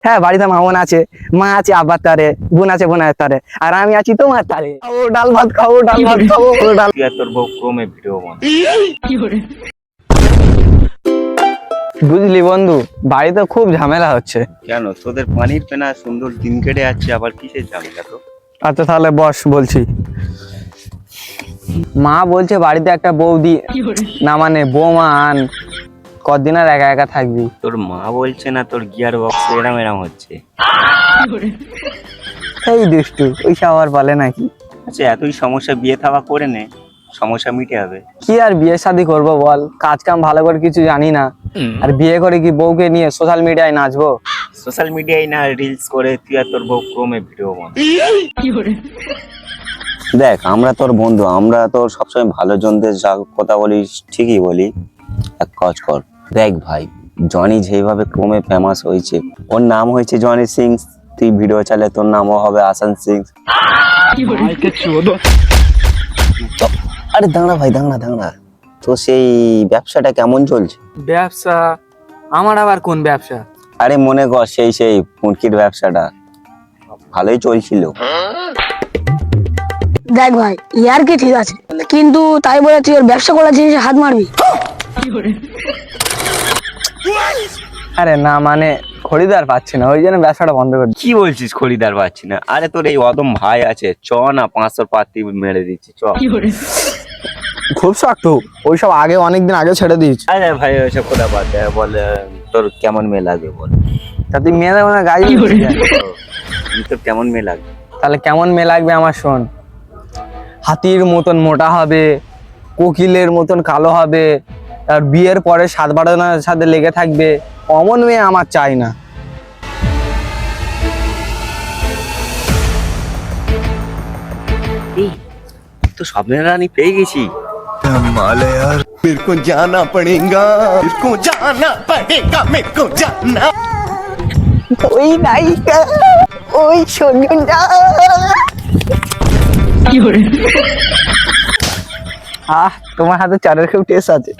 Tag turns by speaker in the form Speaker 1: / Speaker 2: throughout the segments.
Speaker 1: হ্যাঁ, বাড়িতে মা বোন আছে, মা আছে আব্বার তারে, বোন আছে বোনের তারে, আর আমি আছি তোমার তারে। ও ডাল ভাত খাবো, ডাল ভাত খাবো, ডাল।
Speaker 2: তুই আর তোর বউ ক্রমে ভিডিও বানা।
Speaker 1: বুঝলি বন্ধু, বাড়িতে খুব ঝামেলা হচ্ছে।
Speaker 2: কেন তোদের পানির পেনা সুন্দর দিন কেটে যাচ্ছে, আবার কিসের ঝামেলা তো?
Speaker 1: আচ্ছা তাহলে বস, বলছি। মা বলছে বাড়িতে একটা বৌদি, না মানে বৌমা আন, কদিন আর একা একা থাকবি।
Speaker 2: তোর মা বলছে না তোর গিয়ার বক্স এরম এরম হচ্ছে?
Speaker 1: এই দুষ্টু, ওইসব আর বলে নাকি?
Speaker 2: আচ্ছা এতই সমস্যা, বিয়ে থাবা করে নে, সমস্যা মিটে যাবে।
Speaker 1: কি আর বিয়ে শাদী করবো বল, কাজ কাম ভালো করে কিছু জানি না, আর বিয়ে করে কি বউকে নিয়ে সোশ্যাল মিডিয়ায় নাচবো?
Speaker 2: সোশ্যাল মিডিয়ায় না রিলস করে তুই আর তোর বউ ক্রমে ভিডিও বানা। দেখ আমরা তোর বন্ধু, আমরা তোর সবসময় ভালো জনদের যা কথা বলিস ঠিকই বলি। এক কাজ কর, দেখ ভাই জনি যেভাবে ক্রমে ফেমাস হয়েছে, ওর নাম হয়েছে জনি সিং, তুই ভিডিও চালে তোর নামও হবে আসান সিং। আরে দাঁড়া ভাই, দাঁড়া দাঁড়া, তো সেই ব্যবসাটা কেমন চলছে?
Speaker 1: ব্যবসা? আমার আবার কোন ব্যবসা?
Speaker 2: আরে মনে কর সেই মুরগির ব্যবসাটা ভালোই চলছিল।
Speaker 3: দেখ ভাই, ইয়ার কি ঠিক আছে, কিন্তু তাই বলে তুই ওর ব্যবসা করার জিনিসে হাত মারবি?
Speaker 1: আরে না মানে খরিদার পাচ্ছি না, ওই জন্য ব্যবসাটা বন্ধ করে।
Speaker 2: কি বলছিস খরিদার পাচ্ছি না? আরে তোর এই অদম ভাই আছে, চ না 500 পাতি মেরে দিচ্ছি, চ।
Speaker 1: খুব শক্ত, ওইসব আগে অনেকদিন আগে ছেড়ে দিয়েছি।
Speaker 2: আরে ভাই ওইসব কথা বাদ দে, বল তোর কেমন মেয়ে লাগবে বল।
Speaker 1: তা তুই মেয়ে দেবো না গাড়ি?
Speaker 2: তোর কেমন মেয়ে লাগবে?
Speaker 1: তাহলে কেমন মেয়ে লাগবে আমার শোন। হাতির মতন মোটা হবে, কোকিলের মতন কালো হবে, আর বিয়ের পরে 7-12 জনের সাথে লেগে থাকবে, অমন মেয়ে আমার চাই না।
Speaker 2: তো স্বপ্নের রানী পেয়ে গেছি।
Speaker 4: कमाल है यार, मेरे को जाना पड़ेगा, मेरे को जाना पड़ेगा, मेरे को जाना।
Speaker 1: ওই নায়িকা, ওই সজনটা। তোমার হাতে চারের খুব টেস্ট আছে।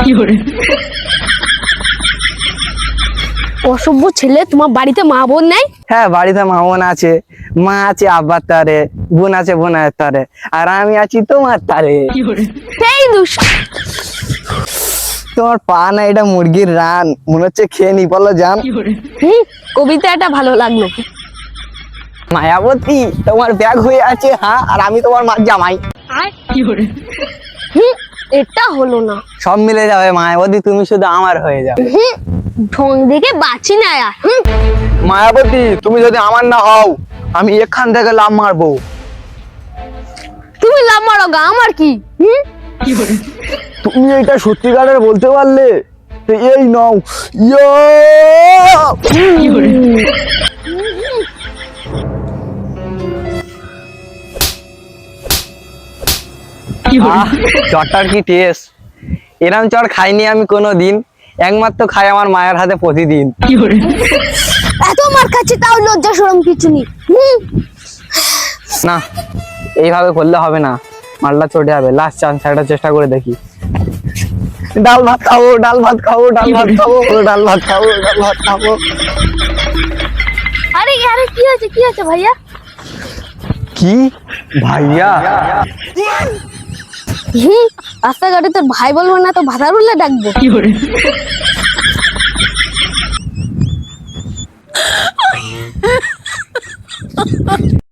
Speaker 3: অসভ্য ছেলে, তোমার বাড়িতে মা বোন নাই?
Speaker 1: হ্যাঁ, বাড়িতে মা বোন আছে, মা আছে আব্বার তারে, বোন আছে বোনের তারে, আর আমি আছি তোমার তারে।
Speaker 3: এই দুষ,
Speaker 1: তোমার পা না এটা মুরগির রান, মনে হচ্ছে খেয়ে নি, বলো জান।
Speaker 3: কবিতাটা ভালো লাগলো।
Speaker 1: মায়াবতী, তোমার ব্যাগ হয়ে আছে, হ্যাঁ, আর আমি তোমার মা জামাই।
Speaker 3: এটা হলো না।
Speaker 1: সব মিলে যাবে মায়াবতী, তুমি শুধু আমার হয়ে যাবে।
Speaker 3: ঢং দেখে বাঁচি না আর।
Speaker 1: মায়াবতী, তুমি যদি আমার না হও, আমি এখান থেকে লাভ মারবো।
Speaker 3: তুমি লাভ মারো গা, আমার কি?
Speaker 1: তুমি এটা সত্যিকারের বলতে পারলে? তো এই নাও। চটটার কি টেস্ট! এরম চট খাইনি আমি কোনোদিন, একমাত্র খাই আমার মায়ের হাতে প্রতিদিন।
Speaker 3: এত মার খাচ্ছি তাও লজ্জা শরম কিছু নেই।
Speaker 1: না, এইভাবে করলে হবে না, মালটা চটে যাবে। লাস্ট চান্স, একটা চেষ্টা করে দেখি। ডাল ভাত খাবো, ডাল ভাত খাবো, ডাল ভাত খাবো, ডাল ভাত খাবো, ডাল ভাত খাবো।
Speaker 3: আরে আরে কি আছে, কি আছে ভাইয়া?
Speaker 1: কি ভাইয়া?
Speaker 3: রাস্তাঘাটে তোর ভাই বলবো না তো ভাতার বললে ডাকবো।